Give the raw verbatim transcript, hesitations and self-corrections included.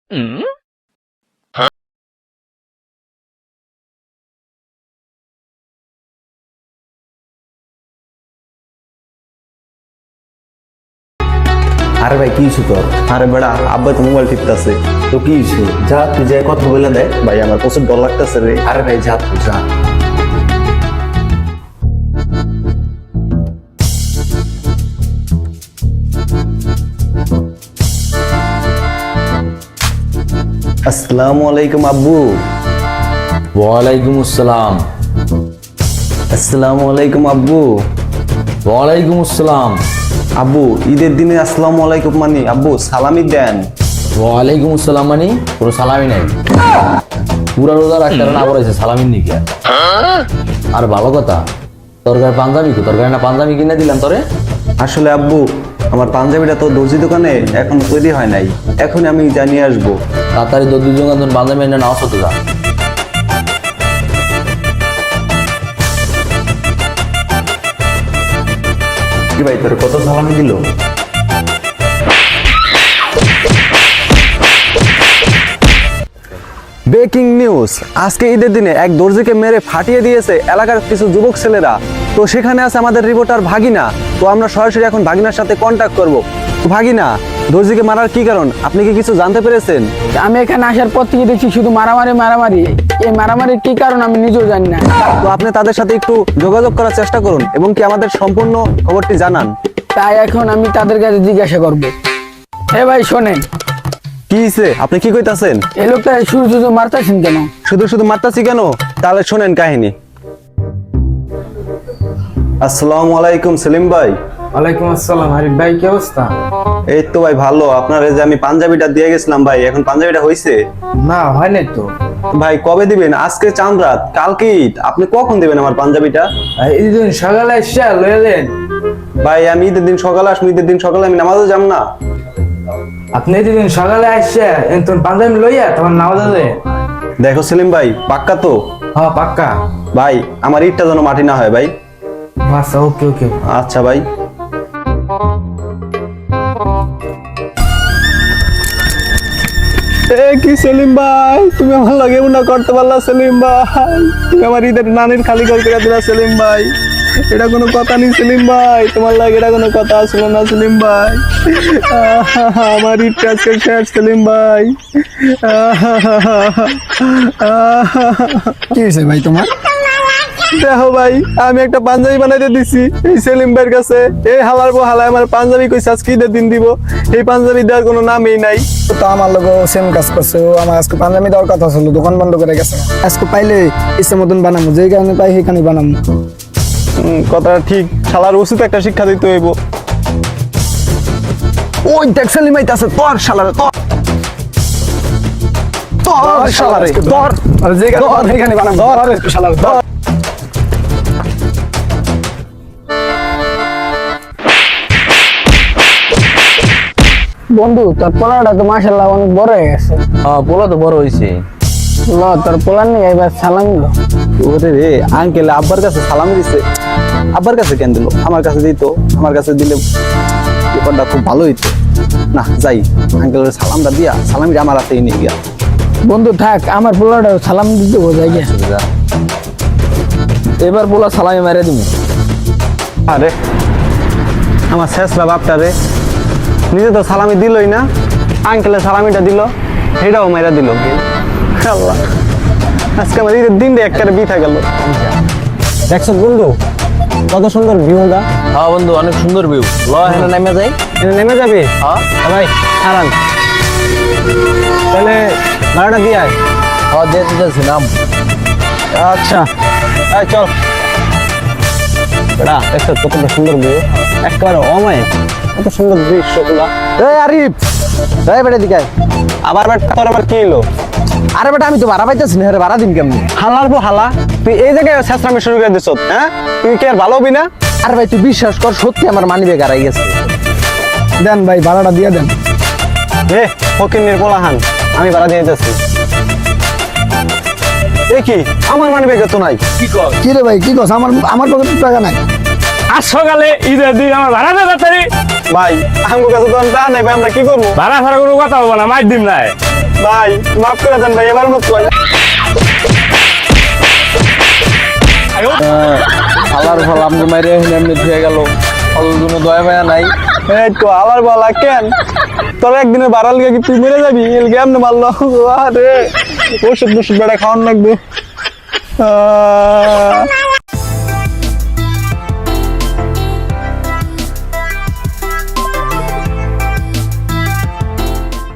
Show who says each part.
Speaker 1: আরে ভাই কি ইস্যু তোর?
Speaker 2: আরে বেড়া আব্বা তো মোবাইল টিপতেছে।
Speaker 1: তো কি ইস্যু? যা তুই যাই কথা বলে দেয়।
Speaker 2: ভাই আমার প্রচুর ডর লাগতেছে রে।
Speaker 1: আরে ভাই যা তুই যা।
Speaker 2: আসসালামু আলাইকুম আব্বু।
Speaker 3: ওয়ালাইকুম আসসালাম।
Speaker 2: আসসালামু আলাইকুম আব্বু।
Speaker 3: ওয়ালাইকুম আসসালাম।
Speaker 2: আব্বু ঈদের দিনে আসসালামু আলাইকুম মানে আব্বু সালামি দেন।
Speaker 3: ওয়ালাইকুম আসসালাম মানে কোনো সালামি নাই। পুরা রোজা রাখতে না বলেছে সালামির নিকে। আর ভালো কথা, তরকারি পাঞ্জাবি কো তরকারি না পাঞ্জাবি কিনে দিলাম তোরে।
Speaker 2: আসলে আব্বু আমার পাঞ্জাবিটা তো দর্জি দোকানে এখন তৈরি হয় নাই, এখন আমি জানিয়ে আসবো।
Speaker 3: তাড়াতাড়ি দু জন পাঞ্জাবি এনে নাও হতে যা।
Speaker 2: কি ভাই তোর কত সালামি দিল? ব্রেকিং নিউজ, আজকে ঈদের দিনে এক দর্জিকে মেরে ফাটিয়ে দিয়েছে এলাকার কিছু যুবক ছেলেরা। তো সেখানে আছে আমাদের রিপোর্টার ভাগিনা। তো আমরা সরাসরি এখন ভাগিনার সাথে কন্ট্যাক্ট করব। ভাগিনা, দর্জিকে মারার কি কারণ আপনি কি কিছু জানতে পেরেছেন?
Speaker 4: আমি এখানে আসার পর থেকে দেখছি শুধু মারামারি মারামারি। এই মারামারির কি কারণ আমি নিজেও জানি না।
Speaker 2: তো আপনি তাদের সাথে একটু যোগাযোগ করার চেষ্টা করুন এবং কি আমাদের সম্পূর্ণ খবরটি জানান।
Speaker 4: তাই এখন আমি তাদের কাছে জিজ্ঞাসা করব। হে ভাই শোনেন,
Speaker 2: কি হইছে? আপনি কি কইতাছেন?
Speaker 4: এই লোকটা শুধু শুধু মারতেছেন কেন?
Speaker 2: শুধু শুধু মারতাছি কেন? তাহলে শোনেন কাহিনী। আসসালামু আলাইকুম সেলিম ভাই।
Speaker 5: ওয়ালাইকুম আসসালাম। আরিফ ভাই কি অবস্থা?
Speaker 2: এই তো ভাই ভালো। আপনার এই যে আমি পাঞ্জাবিটা দিয়ে গেছিলাম ভাই, এখন পাঞ্জাবিটা হইছে?
Speaker 5: না হয় নাই তো
Speaker 2: ভাই কবে দিবেন? আজকে চাঁদ রাত, কালকে ঈদ, আপনি কখন দিবেন আমার পাঞ্জাবিটা?
Speaker 5: এই দিন সকালে এসে লয়ে দেন।
Speaker 2: ভাই আমি ঈদের দিন সকালে আসবো, ঈদের দিন সকালে আমি নামাজও যাব না।
Speaker 5: আপনি এই দিন সকালে আসছে তোমার পাঞ্জাবি লইয়া তোমার নামাজ আছে।
Speaker 2: দেখো সেলিম ভাই পাক্কা তো?
Speaker 5: হ্যাঁ পাক্কা
Speaker 2: ভাই আমার ঈদটা যেন মাটি না হয় ভাই।
Speaker 5: আচ্ছা ওকে ওকে
Speaker 2: আচ্ছা ভাই। এ কি সেলিম ভাই, তুমি আমার লাগে না করতে পারলা সেলিম ভাই? তুমি আমার ঈদের নানির খালি করে করে দিলা সেলিম ভাই। এটা কোনো কথা নেই সেলিম ভাই, তোমার লাগে এটা কোনো কথা আসলো না সেলিম ভাই। আহা, আমার ঈদটা আজকে শেষ সেলিম ভাই।
Speaker 4: কি হয়েছে ভাই তোমার?
Speaker 2: দেখো ভাই আমি একটা পাঞ্জাবি বানাইতে দিছি এই সেলিম ভাইয়ের কাছে। এই হালার বো হালায় আমার পাঞ্জাবি কইছে আজকে ঈদের দিন দিব, এই পাঞ্জাবি দেওয়ার কোনো নামই নাই।
Speaker 6: তো আমার লোক সেম কাজ করছে। ও আমার আজকে পাঞ্জাবি দেওয়ার কথা ছিল, দোকান বন্ধ করে গেছে। আজকে পাইলে ইচ্ছা মতন বানাবো, যেই কারণে পাই সেইখানে বানাবো।
Speaker 2: হুম, কথাটা ঠিক। শালার উচিত একটা শিক্ষা দিতে হইব। ওই দেখ সেলিম ভাই আছে, তোর শালারে তোর তোর শালারে তোর
Speaker 6: আর যেই কারণে সেইখানে বানাবো। ধর শালার ধর।
Speaker 4: বন্ধু তোর পোলাটা তো মাশাআল্লাহ অনেক বড় হয়ে গেছে।
Speaker 3: হ্যাঁ পোলা তো বড় হয়েছে।
Speaker 4: ল তোর পোলার নিয়ে এবার সালাম দিল।
Speaker 2: ওরে রে আঙ্কেল আব্বার কাছে সালাম দিছে। আব্বার কাছে কেন দিল? আমার কাছে দিত, আমার কাছে দিলে ব্যাপারটা খুব ভালো হইতো না। যাই আঙ্কেলের সালামটা দিয়া সালামিটা আমার হাতেই নিয়ে গিয়া।
Speaker 4: বন্ধু থাক, আমার পোলাটা সালাম দিতে বোঝাই গিয়া।
Speaker 3: যা। এবার পোলা সালামি মেরে দিবি।
Speaker 2: আরে আমার শেষরা বাপটা রে, নিজে তো সালামি দিলই না, আঙ্কেলের সালামিটা দিল, সেটাও মেরা দিল। আল্লাহ, আজকে আমার ঈদের দিনটা একটা বিথা গেল। দেখছো বন্ধু কত সুন্দর ভিউটা?
Speaker 3: হ্যাঁ বন্ধু অনেক সুন্দর ভিউ। ল এখানে নেমে যাই।
Speaker 2: এটা নেমে যাবে?
Speaker 3: হ্যাঁ
Speaker 2: ভাই আরাম, তাহলে ভাড়াটা দিয়ে আয়।
Speaker 3: হ্যাঁ দিয়ে দিতেছি নাম।
Speaker 2: আচ্ছা আয় চল। বেড়া দেখছো কত সুন্দর ভিউ, একেবারে অমায়, কত সুন্দর দৃশ্যগুলা। এই আরিফ, এই বেটা দিকে আবার বেটা তোর আবার কি এলো?
Speaker 6: আরে বেটা আমি তো ভাড়া পাইতেছি না, ভাড়া দিন কেমনি?
Speaker 2: হালার পো হালা, তুই এই জায়গায় শেষরামি শুরু করে দিছ, হ্যাঁ? তুই কি আর ভালো হবি না?
Speaker 6: আরে ভাই তুই বিশ্বাস কর, সত্যি আমার মানি ব্যাগ হারাই গেছে। দেন ভাই ভাড়াটা দিয়ে দেন।
Speaker 2: এ ফকিন্নির পোলাহান, আমি ভাড়া দিয়ে দিতেছি। এ কি আমার মানি ব্যাগে তো নাই?
Speaker 6: কি রে ভাই কি কস? আমার আমার পকেটে টাকা নাই।
Speaker 5: আজ সকালে ঈদের দিন আমার ভাড়া দেয় তাড়াতাড়ি।
Speaker 2: ভাই আমার কাছে তো টা নাই ভাই, আমরা কি করবো?
Speaker 7: ভাড়া ফাড়া কোনো কথা বলবো না, মার দিম নাই।
Speaker 2: ভাই মাফ করে দেন ভাই, এবার মত ভাই।
Speaker 5: আলার ফল আমগো মাইরে এমনি হয়ে গেল, কোনো দয়া মায়া নাই।
Speaker 2: এই তো আবার বলা কেন তোর একদিনের বাড়াল গিয়ে কি তুই মেরে যাবি? এল কেমনে মারলো? আরে ওষুধ ওষুধ বেড়া খাওয়ান লাগবে। আহ